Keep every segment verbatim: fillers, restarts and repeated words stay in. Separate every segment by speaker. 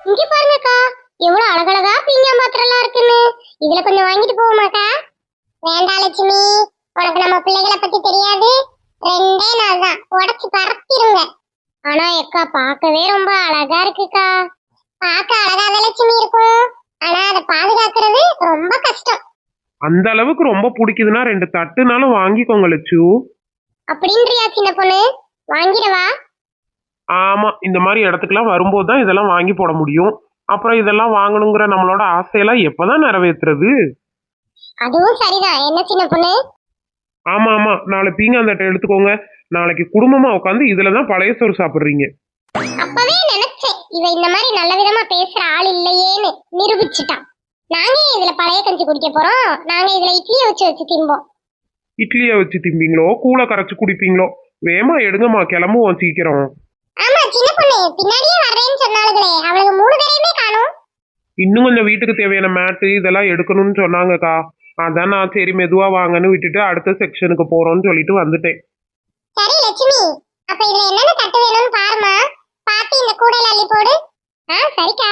Speaker 1: இங்க பாருங்கக்கா, எவ்வளவு அழகழகா பீங்கா பாத்திரம்லாம் இருக்குன்னு. இதுல கொஞ்சம் வாங்கிட்டு போவோமாக்கா? வேண்டாம் லட்சுமி, உனக்கு நம்ம பிள்ளைகளை பத்தி தெரியாது. ரெண்டே நாள் தான் உடச்சு பறத்திருங்க. ஆனா எக்கா பார்க்கவே ரொம்ப அழகா இருக்குக்கா. பார்க்க அழகாத லட்சுமி இருக்கும், ஆனா அதை பாதுகாக்கிறது ரொம்ப கஷ்டம்.
Speaker 2: அந்த அளவுக்கு ரொம்ப பிடிக்குதுன்னா ரெண்டு தட்டுனாலும் வாங்கிக்கோங்க லட்சு.
Speaker 1: அப்படின்றியா சின்ன பொண்ணு? வாங்கிடவா?
Speaker 2: ஆமா, இந்த மாதிரி இடத்துக்குலாம் வரும்போது தான் இதெல்லாம் வாங்கி போட முடியும். அப்புறம் இதெல்லாம் வாங்கணுங்கிற நம்மளோட ஆசையெல்லாம் எப்பதான் நிறைவேற்றுறது?
Speaker 1: அதுவும் சரிதான். என்ன சின்ன பொண்ணு?
Speaker 2: ஆமா ஆமா, நாளை பீங்காந்தட்டை எடுத்துக்கோங்க. நாளைக்கு குடும்பமா உட்காந்து இதுலதான் பழைய சோறு சாப்பிடுறீங்க.
Speaker 1: அப்பவே நினைச்சேன், இவ இந்த மாதிரி நல்ல விதமா பேசுற ஆள் இல்லையேன்னு நிரூபிச்சுட்டான். நாங்க இதுல பழைய கஞ்சி குடிக்க போறோம். நாங்க இதுல இட்லியை வச்சு வச்சு திம்போம்.
Speaker 2: இட்லியை வச்சு திம்பீங்களோ கூழ கரைச்சு குடிப்பீங்களோ? வேமா எடுங்கம்மா, கிளம்புவோம் சீக்கிரம்.
Speaker 1: ஆமா சின்ன பொண்ணு, பின்னாடியே வர்றேன்னு சொன்னாலுங்களே, அவளுக்கு மூணு பேரையுமே காணும்.
Speaker 2: இன்னும் கொஞ்சம் வீட்டுக்கு தேவையான மேட்டு இதெல்லாம் எடுக்கணும்னு சொன்னாங்கக்கா. அதான் நான் சரி மெதுவா வாங்கன்னு விட்டுட்டு அடுத்த செக்ஷனுக்கு போறோம்னு சொல்லிட்டு வந்துட்டேன்.
Speaker 1: சரி லட்சுமி, அப்ப இதுல என்னென்ன தட்டு வேணும்னு பாருமா. பாத்து இந்த கூடையில அள்ளி போடு. ஆ சரிக்கா.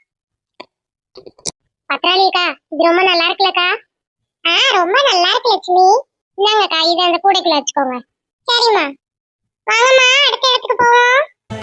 Speaker 1: பத்ராலிக்கா, இது ரொம்ப நல்லா இருக்குல்லக்கா? ஆ ரொம்ப நல்லா இருக்கு லட்சுமி. இந்தாங்கக்கா, இதை அந்த கூடைக்குள்ள வச்சுக்கோங்க. சரிம்மா, வாங்கம்மா அடுத்த இடத்துக்கு போவோம்.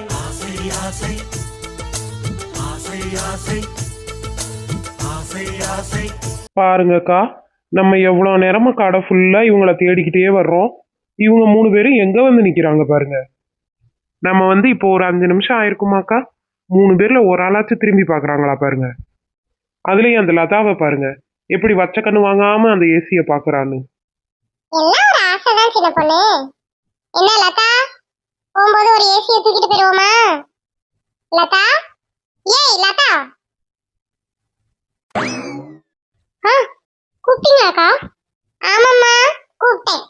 Speaker 2: பாருங்கக்கா, நம்ம எவ்வளவு நேரமா கடை ஃபுல்லா இவங்கள தேடிக்கிட்டே வர்றோம். இவங்க மூணு பேரும் எங்க வந்து நிக்கிறாங்க பாருங்க. நம்ம வந்து இப்போ ஒரு அஞ்சு நிமிஷம் ஆயிருக்குமாக்கா, மூணு பேர்ல ஒரு ஆளாச்சும் திரும்பி பாக்குறாங்களா பாருங்க. அதுலயும் அந்த லதாவை பாருங்க, எப்படி வச்ச கண்ணு வாங்காம அந்த ஏசிய பாக்குறான்னு.
Speaker 1: எல்லாம் ஒரு ஆசைதான் சின்ன பொண்ணு. என்ன லதா, போகும்போது ஒரு ஏசியை தூக்கிட்டு போயிருவோமா? லதா, ஏய் லதா. ஆ கூப்பிட்டீங்களாக்கா? ஆமாம்மா கூப்பிட்டேன்.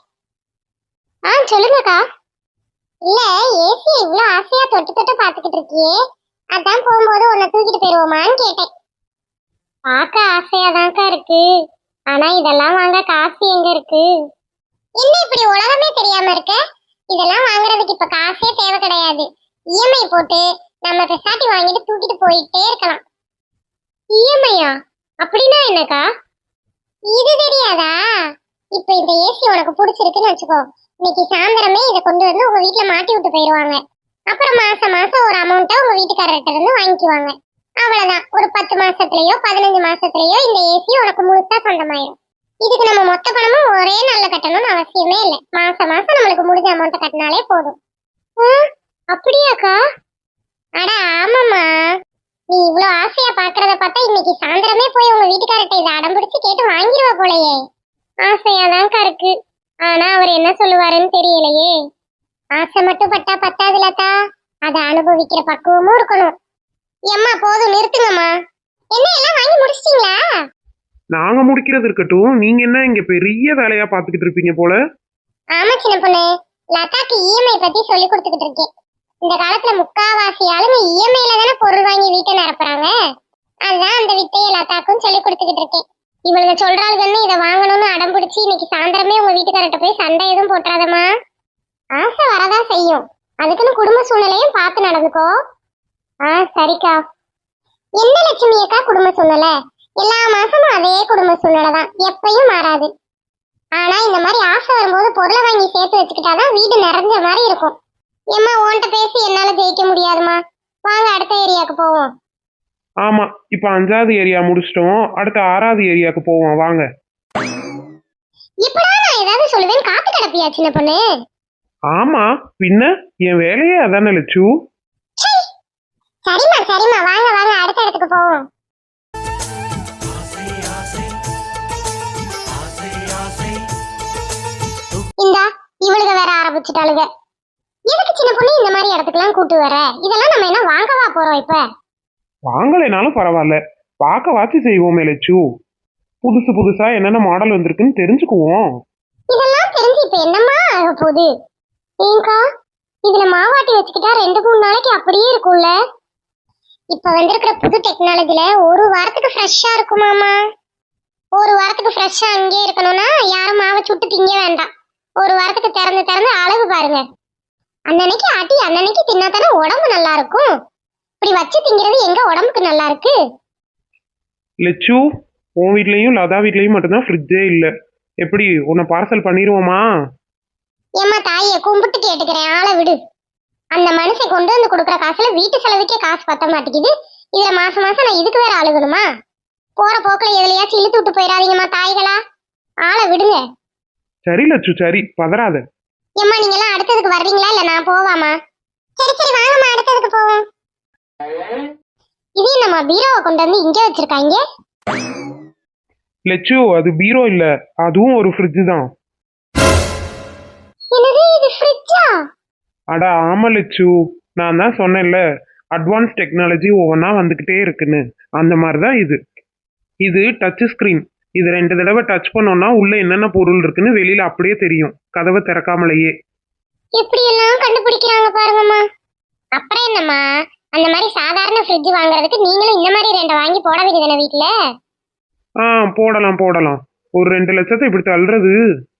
Speaker 1: ஆ சொல்லுங்கக்கா. இல்ல, ஏசியை இவ்வளவு ஆசையா தொட்டு தொட்டு பாத்துக்கிட்டு இருக்கியே, அதான் போகும்போது உன்னை தூக்கிட்டு போயிருவோமான்னு கேட்டேன். பார்க்க ஆசையாதான்க்கா இருக்கு, ஆனா இதெல்லாம் வாங்க காசு எங்க இருக்கு? என்ன இப்படி உலகமே தெரியாம இருக்க? இதெல்லாம் வாங்குறதுக்கு இப்ப காசே தேவை கிடையாது. இஎம்ஐ போட்டு நம்ம பெசாட்டி வாங்கிட்டு தூக்கிட்டு போயிட்டே இருக்கலாம். இஎம்ஐயா? அப்படின்னா என்னக்கா? இது தெரியாதா? இப்ப இந்த ஏசி உனக்கு பிடிச்சிருக்குன்னு வச்சுக்கோ, இன்னைக்கு சாயந்தரமே இதை கொண்டு வந்து உங்க வீட்டுல மாட்டி விட்டு போயிடுவாங்க. அப்புறம் மாசம் மாசம் ஒரு அமௌண்ட்டை உங்க வீட்டுக்காரர்கிட்ட இருந்து வாங்கிக்குவாங்க. அவ்வளவுதான், ஒரு பத்து மாசத்துலயோ பதினஞ்சு மாசத்துலயோ இந்த ஏசி உனக்கு முழுசா சொந்தமாயிடும். இதுக்கு நம்ம மொத்த பணமும் ஒரே நாள்ல கட்டணும்னு அவசியமே இல்லை. மாசம் மாசம் நம்மளுக்கு முடிஞ்ச அமௌண்ட்டை கட்டினாலே போதும். அப்படியாக்கா? அட ஆமாம்மா, நீ இவ்வளவு ஆசையா பாக்குறத பார்த்தா இன்னைக்கு சாயந்தரமே போய் உங்க வீட்டுக்காரர்கிட்ட இதை அடம் பிடிச்சு கேட்டு வாங்கிடுவா போலயே. ஆசையாதான்க்கா இருக்கு, ஆனா அவர் என்ன சொல்லுவாருன்னு தெரியலையே. ஆசை மட்டும் பட்டா பத்தாது லதா, அதை அனுபவிக்கிற பக்குவமும் இருக்கணும். எம்மா போதும், நிறுத்துங்கம்மா. என்ன எல்லாம் வாங்கி முடிச்சிட்டீங்களா?
Speaker 2: நாங்க முடிக்கிறது இருக்கட்டும், நீங்க என்ன இங்க பெரிய வேலையா பாத்துக்கிட்டு இருப்பீங்க போல.
Speaker 1: ஆமா சின்ன பொண்ணு, லதாக்கு இஎம்ஐ பத்தி சொல்லி கொடுத்துக்கிட்டு இருக்கேன். இந்த காலத்துல முக்காவாசி ஆளுங்க இஎம்ஐல தானே பொருள் வாங்கி வீட்டை நிரப்புறாங்க. அதுதான் அந்த வித்தையை லதாக்கும் சொல்லி கொடுத்துக்கிட்டு இருக்கேன். இவளுங்க சொல்றாளுங்கன்னு இதை வாங்கணும்னு அடம் பிடிச்சி இன்னைக்கு சாயந்தரமே உங்க வீட்டுக்காரர்கிட்ட போய் சண்டை எதுவும் போட்டுறாதம்மா. ஆசை வரதான் செய்யும், அதுக்குன்னு குடும்ப சூழ்நிலையும் பார்த்து நடந்துக்கோ. ஆ சரிக்கா. என்ன லட்சுமி அக்கா குடும்ப சூழ்நிலை? எல்லா மாசமும் அதே குடும்ப சூழ்நிலை தான், எப்பயும் மாறாது. ஆனா இந்த மாதிரி ஆசை வரும்போது பொருளை வாங்கி சேர்த்து வச்சுக்கிட்டாதான் வீடு நிறைஞ்ச மாதிரி இருக்கும். ஏம்மா உன்கிட்ட பேசி என்னால ஜெயிக்க முடியாதுமா, வாங்க அடுத்த ஏரியாவுக்கு போவோம்.
Speaker 2: ஆமா, இப்ப அஞ்சாவது ஏரியா முடிச்சிட்டோம், அடுத்த ஆறாவது ஏரியாவுக்கு போவோம் வாங்க.
Speaker 1: இப்படா நான் ஏதாவது சொல்லுவேன், காத்து கிடப்பியா சின்ன பொண்ணு?
Speaker 2: ஆமா பின்ன, என் வேலையே அதானே லட்சு.
Speaker 1: சரிம்மா சரிம்மா, வாங்க வாங்க அடுத்த இடத்துக்கு போவோம். இந்தா இவளுக வேற ஆரம்பிச்சுட்டாளுங்க. எதுக்கு சின்ன பொண்ணு இந்த மாதிரி இடத்துக்குலாம் கூட்டு வர? இதெல்லாம் நம்ம என்ன வாங்கவா போறோம்? இப்ப
Speaker 2: வாங்கலைனாலும் பரவாயில்ல, பார்க்க வாட்சி செய்வோமே லட்சு. புதுசு புதுசா என்னென்ன மாடல் வந்திருக்குன்னு தெரிஞ்சுக்குவோம்.
Speaker 1: இதெல்லாம் தெரிஞ்சு இப்ப என்னம்மா ஆக போகுது? ஏங்கா, இதுல மாவாட்டி வச்சுக்கிட்டா ரெண்டு மூணு நாளைக்கு அப்படியே இருக்கும்ல. இப்ப வந்திருக்கிற புது டெக்னாலஜில ஒரு வாரத்துக்கு ஃப்ரெஷ்ஷா இருக்குமாமா. ஒரு வாரத்துக்கு ஃப்ரெஷ்ஷா அங்கே இருக்கணும்னா யாரும் மாவை சுட்டு திங்க வேண்டாம். ஒரு வாரத்துக்கு திறந்து திறந்து அளவு பாருங்க. அன்னன்னைக்கு ஆட்டி அன்னன்னைக்கு தின்னாதானே உடம்பு நல்லா இருக்கும். இப்படி வச்சு திங்கிறது எங்க உடம்புக்கு நல்லா இருக்கு?
Speaker 2: லெச்சு, உன் வீட்லயும் லதா வீட்லயும் மட்டும்தான் ஃப்ரிட்ஜே இல்லை. எப்படி உன்னை பார்சல் பண்ணிடுவோமா?
Speaker 1: ஏம்மா தாயை கும்பிட்டு கேட்டுக்கிறேன், ஆளை விடு. அந்த மனுஷன் கொண்டு வந்து கொடுக்குற காசுல வீட்டு செலவுக்கே காசு பத்த மாட்டேங்குது. இதுல மாசம் மாசம் நான் இதுக்கு வேற அழுகணுமா? போற போக்குல எதுலயாச்சும் இழுத்து விட்டு போயிடாதீங்கம்மா தாய்களா, ஆளை விடுங்க.
Speaker 2: சரி லட்சு, சரி, பதறாத.
Speaker 1: ஏம்மா நீங்க எல்லாம் அடுத்ததுக்கு வர்றீங்களா இல்ல நான் போவாமா? சரி சரி வாங்கம்மா, அடுத்ததுக்கு போவோம். இது நம்ம பீரோவை கொண்டு வந்து இங்கே வச்சிருக்காங்க.
Speaker 2: லெச்சு, அது பீரோ இல்ல, அதுவும் ஒரு ஃப்ரிட்ஜ் தான்.
Speaker 1: என்னது இது ஃப்ரிட்ஜா?
Speaker 2: அட ஆமா லெச்சு, நான் தான் சொன்னேன்ல அட்வான்ஸ் டெக்னாலஜி ஒவ்வொன்றா வந்துக்கிட்டே இருக்குன்னு. அந்த மாதிரி தான் இது. இது டச் ஸ்க்ரீன். இது ரெண்டு தடவை டச் பண்ணோம்னா உள்ள என்னென்ன பொருள் இருக்குன்னு வெளியில அப்படியே தெரியும், கதவை திறக்காமலேயே.
Speaker 1: எப்படி எல்லாம் கண்டுபிடிக்கிறாங்க பாருங்கம்மா. அப்புறம் என்னம்மா, அந்த மாதிரி சாதாரண ஃப்ரிட்ஜ் வாங்குறதுக்கு நீங்களும் இந்த மாதிரி ரெண்டை வாங்கி போட வேண்டியதானே வீட்டுல?
Speaker 2: ஆ போடலாம் போடலாம். ஒரு ரெண்டு லட்சத்தை இப்படி தள்ளுறது.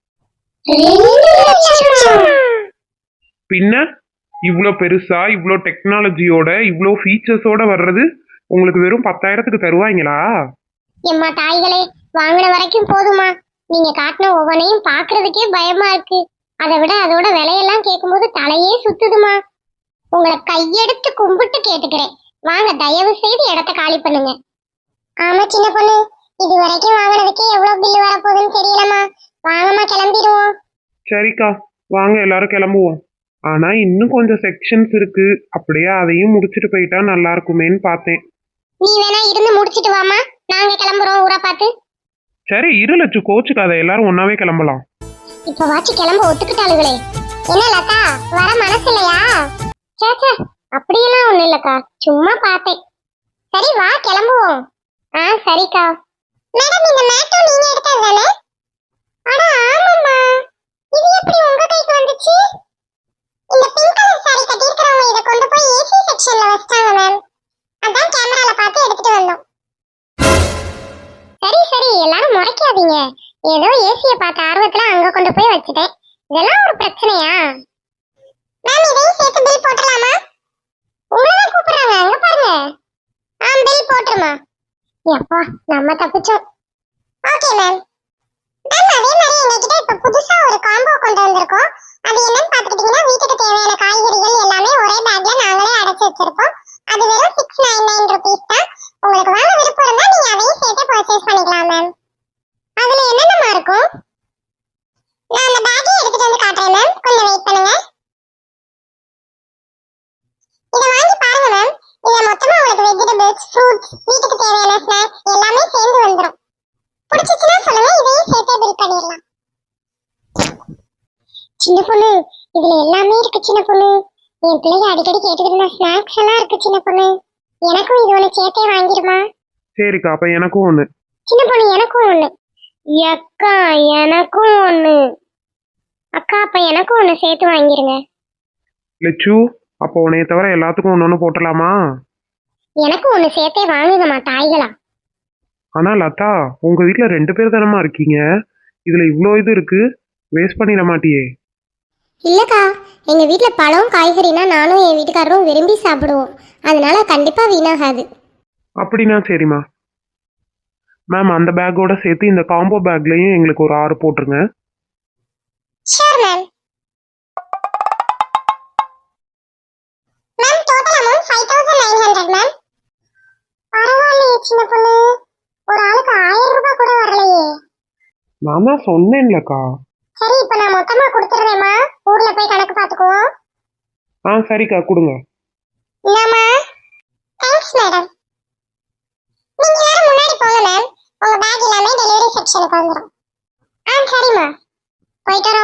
Speaker 2: பின்ன இவ்வளோ பெருசா இவ்வளோ டெக்னாலஜியோட இவ்வளோ ஃபீச்சர்ஸோட வர்றது உங்களுக்கு வெறும் பத்தாயிரத்துக்கு தருவாங்களா?
Speaker 1: எம்மா தாய்களே, வாங்கின வரைக்கும் போதுமா. நீங்க காட்டின ஒவ்வொன்றையும் பாக்குறதுக்கே பயமா இருக்கு. அதை விட அதோட விலையெல்லாம் கேட்கும்போது தலையே சுத்துதுமா. உங்களை கையெடுத்து கும்பிட்டு கேட்டுக்கிறேன், வாங்க தயவு செய்து இடத்த காலி பண்ணுங்க. ஆமா சின்ன பொண்ணு, இது வரைக்கும் வாங்கினதுக்கே எவ்வளவு பில்லு வரப்போகுதுன்னு தெரியலமா. வாங்கம்மா கிளம்பிடுவோம்.
Speaker 2: சரிக்கா, வாங்க எல்லாரும் கிளம்புவோம். ஆனா இன்னும் கொஞ்சம் செக்ஷன்ஸ் இருக்கு, அப்படியே அதையும் முடிச்சுட்டு போயிட்டா நல்லா இருக்குமேன்னு பார்த்தேன்.
Speaker 1: நீ வேணா இருந்து முடிச்சிட்டு வாமா, நாங்க கிளம்புறோம் ஊரை பார்த்து.
Speaker 2: சரி இரு லட்சு, கோச்சுக்காத, எல்லாரும் ஒன்னாவே கிளம்பலாம்.
Speaker 1: இப்ப வாச்சு கிளம்ப ஒத்துக்கிட்டாளுகளே. என்ன லதா, வர மனசு இல்லையா? சேச்சே, அப்படியெல்லாம் ஒண்ணு இல்லக்கா, சும்மா பார்த்தேன். சரி வா கிளம்புவோம். ஆ சரிக்கா. மேடம் இந்த மேட்டும் நீங்க எடுத்தது தானே? அட ஆமாம்மா, இது எப்படி உங்க கைக்கு வந்துச்சு? இந்த பிங்க் கலர் சாரி கட்டியிருக்கிறவங்க இதை கொண்டு போய் ஏசி செக்ஷன்ல வச்சிட்டாங்க மேம். அதான் கேமரால பார்த்து எடுத்துட்டு வந்தோம். சரி சரி எல்லாரும் முறைக்காதீங்க, ஏதோ ஏசியை பார்த்த ஆர்வத்துல அங்க கொண்டு போய் வச்சுட்டேன். இதெல்லாம் ஒரு பிரச்சனையா? மேம் இதையும் சேர்த்து பில் போட்டுடலாமா? உங்களதான் கூப்பிடுறாங்க, அங்க பாருங்க. ஆ பில் போட்டுருமா. அப்பா நம்ம தப்பிச்சோம். Okay ma'am. மேம் அதே மாதிரி எங்ககிட்ட இப்ப புதுசா ஒரு காம்போ கொண்டு வந்திருக்கோம். அது என்னன்னு பாத்துக்கிட்டீங்கன்னா வீட்டுக்கு தேவையான காய்கறிகள் எல்லாமே ஒரே பேக்ல நாங்களே அடைச்சு வச்சிருக்கோம். அது வெறும் சிக்ஸ் நைன் நைன் ருபீஸ் தான். உங்களுக்கு வாங்க விருப்பம் இருந்தா நீங்க அதையும் சேர்த்து பர்ச்சேஸ் பண்ணிக்கலாம் மேம். அதுல என்னென்னமா இருக்கும்? நான் அந்த பேக்கை எடுத்துட்டு வந்து காட்டுறேன் மேம், கொஞ்சம் வெயிட் பண்ணுங்க. இத வாங்கி பாருங்க மேம். இதுல மொத்தமா உங்களுக்கு வெஜிடபிள்ஸ், ஃப்ரூட்ஸ், வீட்டுக்கு தேவையான ஸ்நாக்ஸ் எல்லாமே சேர்ந்து வந்துரும். பிடிச்சிச்சுன்னா சொல்லுங்க, இதையும் சேர்த்தே பில் பண்ணிடலாம். சின்ன பொண்ணு, இதுல எல்லாமே இருக்கு சின்ன பொண்ணு. என் பிள்ளைங்க அடிக்கடி கேட்டுக்கிட்டு இருந்த ஸ்நாக்ஸ் எல்லாம் இருக்கு சின்ன பொண்ணு. எனக்கும் இது ஒண்ணு சேர்த்தே வாங்கிடுமா?
Speaker 2: சரிக்கா, அப்ப எனக்கும் ஒண்ணு.
Speaker 1: சின்ன பொண்ணு எனக்கும் ஒண்ணு. அக்கா எனக்கும் ஒண்ணு. அக்கா அப்ப எனக்கும் ஒண்ணு சேர்த்து வாங்கிருங்க.
Speaker 2: லெச்சு, அப்போ உன்னைய தவிர எல்லாத்துக்கும் ஒன்று ஒன்று போட்டலாமா?
Speaker 1: எனக்கும் ஒண்ணு சேர்த்தே வாங்குங்கம்மா தாய்களா.
Speaker 2: ஆனா லதா, உங்க வீட்டுல ரெண்டு பேர் தானமா இருக்கீங்க, இதுல இவ்வளோ இது இருக்கு, வேஸ்ட் பண்ணிட மாட்டியே?
Speaker 1: இல்லக்கா, எங்க வீட்ல பழம் காய்கறினா நானும் என் வீட்டுக்காரரும் விரும்பி சாப்பிடுவோம், அதனால கண்டிப்பா வீணாகாது.
Speaker 2: அப்படின்னா சரிம்மா. மேம் அந்த பேக்கோட சேர்த்து இந்த காம்போ பேக்லயும் எங்களுக்கு ஒரு ஆறு போட்டுருங்க.
Speaker 1: Sure ma'am. Ma'am total amount five thousand nine hundred ma'am. பரவாயில்லையே சின்ன பொண்ணு, ஒரு ஆளுக்கு ஆயிரம் ரூபாய் கூட வரலையே.
Speaker 2: நான் தான் சொன்னேன்லக்கா.
Speaker 1: சரி இப்ப நான் மொத்தமா கொடுத்துறேம்மா, ஊர்ல போய் கணக்கு பாத்துக்குவோம்.
Speaker 2: ஆ சரிக்கா, கொடுங்க.
Speaker 1: இந்தாம்மா. Thanks madam. நீங்க எல்லாரும் முன்னாடி போங்க மேம், உங்க பேக் எல்லாமே டெலிவரி செக்ஷனுக்கு வந்துடும். ஆ சரிம்மா, போயிட்டு